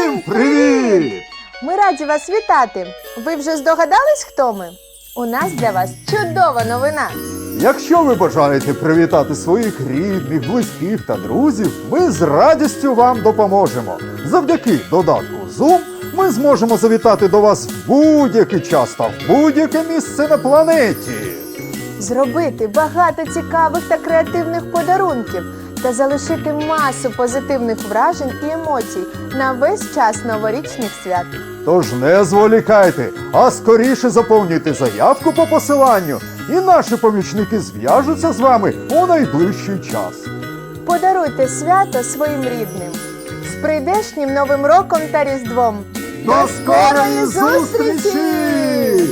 Всім привіт! Ми раді вас вітати! Ви вже здогадались, хто ми? У нас для вас чудова новина! Якщо ви бажаєте привітати своїх рідних, близьких та друзів, ми з радістю вам допоможемо. Завдяки додатку Zoom ми зможемо завітати до вас в будь-який час та в будь-яке місце на планеті. Зробити багато цікавих та креативних подарунків та залишити масу позитивних вражень і емоцій на весь час новорічних свят. Тож не зволікайте, а скоріше заповнюйте заявку по посиланню, і наші помічники зв'яжуться з вами у найближчий час. Подаруйте свято своїм рідним. З прийдешнім Новим роком та Різдвом! До скорої зустрічі!